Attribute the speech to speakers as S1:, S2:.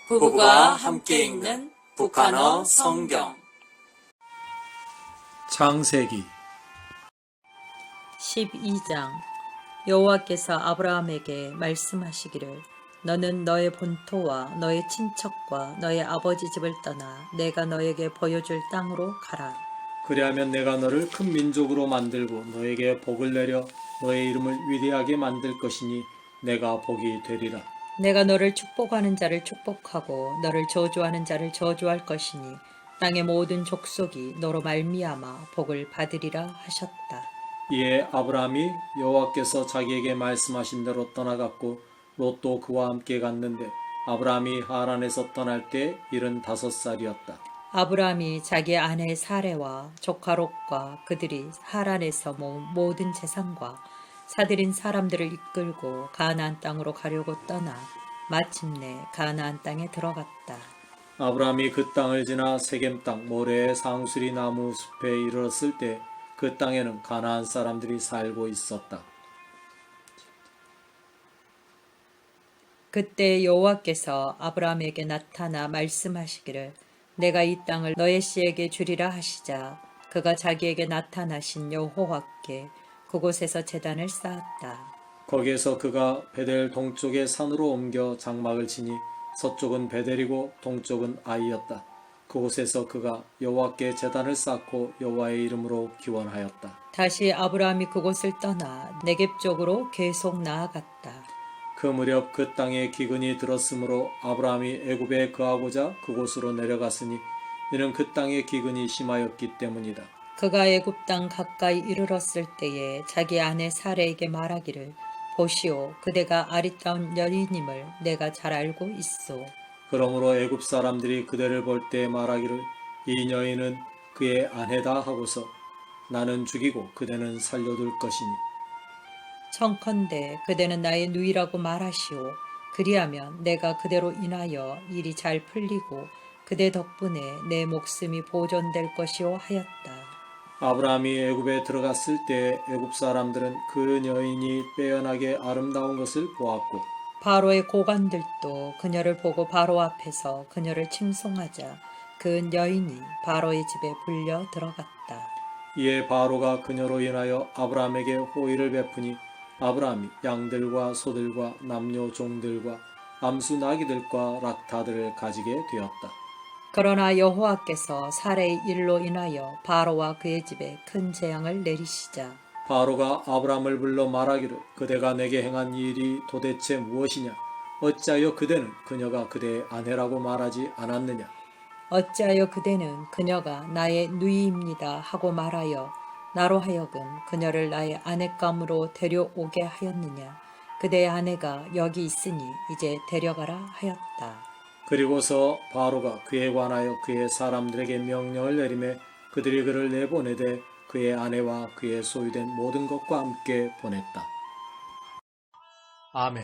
S1: 부부가 함께 읽는 북한어 성경.
S2: 창세기
S3: 12장. 여호와께서 아브라함에게 말씀하시기를 너는 너의 본토와 너의 친척과 너의 아버지 집을 떠나 내가 너에게 보여줄 땅으로 가라.
S2: 그리하면 내가 너를 큰 민족으로 만들고 너에게 복을 내려 너의 이름을 위대하게 만들 것이니 내가 복이 되리라.
S3: 내가 너를 축복하는 자를 축복하고 너를 저주하는 자를 저주할 것이니 땅의 모든 족속이 너로 말미암아 복을 받으리라 하셨다.
S2: 이에 아브라함이 여호와께서 자기에게 말씀하신 대로 떠나갔고 롯도 그와 함께 갔는데 아브라함이 하란에서 떠날 때 75살이었다.
S3: 아브라함이 자기 아내 사레와 조카 롯과 그들이 하란에서 모은 모든 재산과 사들인 사람들을 이끌고 가나안 땅으로 가려고 떠나 마침내 가나안 땅에 들어갔다.
S2: 아브라함이 그 땅을 지나 세겜 땅 모레의 상수리 나무 숲에 이르렀을 때 그 땅에는 가나안 사람들이 살고 있었다.
S3: 그때 여호와께서 아브라함에게 나타나 말씀하시기를 내가 이 땅을 너의 씨에게 주리라 하시자 그가 자기에게 나타나신 여호와께 그곳에서 제단을 쌓았다.
S2: 거기에서 그가 베델 동쪽의 산으로 옮겨 장막을 치니 서쪽은 베델이고 동쪽은 아이였다. 그곳에서 그가 여호와께 제단을 쌓고 여호와의 이름으로 기원하였다.
S3: 다시 아브라함이 그곳을 떠나 네겝 쪽으로 계속 나아갔다.
S2: 그 무렵 그 땅에 기근이 들었으므로 아브라함이 애굽에 거하고자 그곳으로 내려갔으니 이는 그 땅에 기근이 심하였기 때문이다.
S3: 그가 애굽 땅 가까이 이르렀을 때에 자기 아내 사레에게 말하기를 보시오 그대가 아리따운 여인임을 내가 잘 알고 있소.
S2: 그러므로 애굽 사람들이 그대를 볼 때 말하기를 이 여인은 그의 아내다 하고서 나는 죽이고 그대는 살려둘 것이니
S3: 청컨대 그대는 나의 누이라고 말하시오. 그리하면 내가 그대로 인하여 일이 잘 풀리고 그대 덕분에 내 목숨이 보존될 것이오 하였다.
S2: 아브라함이 애굽에 들어갔을 때 애굽 사람들은 그 여인이 빼어나게 아름다운 것을 보았고
S3: 바로의 고관들도 그녀를 보고 바로 앞에서 그녀를 칭송하자 그 여인이 바로의 집에 불려 들어갔다.
S2: 이에 바로가 그녀로 인하여 아브라함에게 호의를 베푸니 아브라함이 양들과 소들과 남녀 종들과 암수 나귀들과 락타들을 가지게 되었다.
S3: 그러나 여호와께서 사레의 일로 인하여 바로와 그의 집에 큰 재앙을 내리시자
S2: 바로가 아브라함을 불러 말하기를 그대가 내게 행한 일이 도대체 무엇이냐? 어찌하여 그대는 그녀가 그대의 아내라고 말하지 않았느냐?
S3: 어찌하여 그대는 그녀가 나의 누이입니다 하고 말하여 나로 하여금 그녀를 나의 아내감으로 데려오게 하였느냐? 그대의 아내가 여기 있으니 이제 데려가라 하였다.
S2: 그리고서 바로가 그에 관하여 그의 사람들에게 명령을 내리매 그들이 그를 내보내되 그의 아내와 그의 소유된 모든 것과 함께 보냈다. 아멘.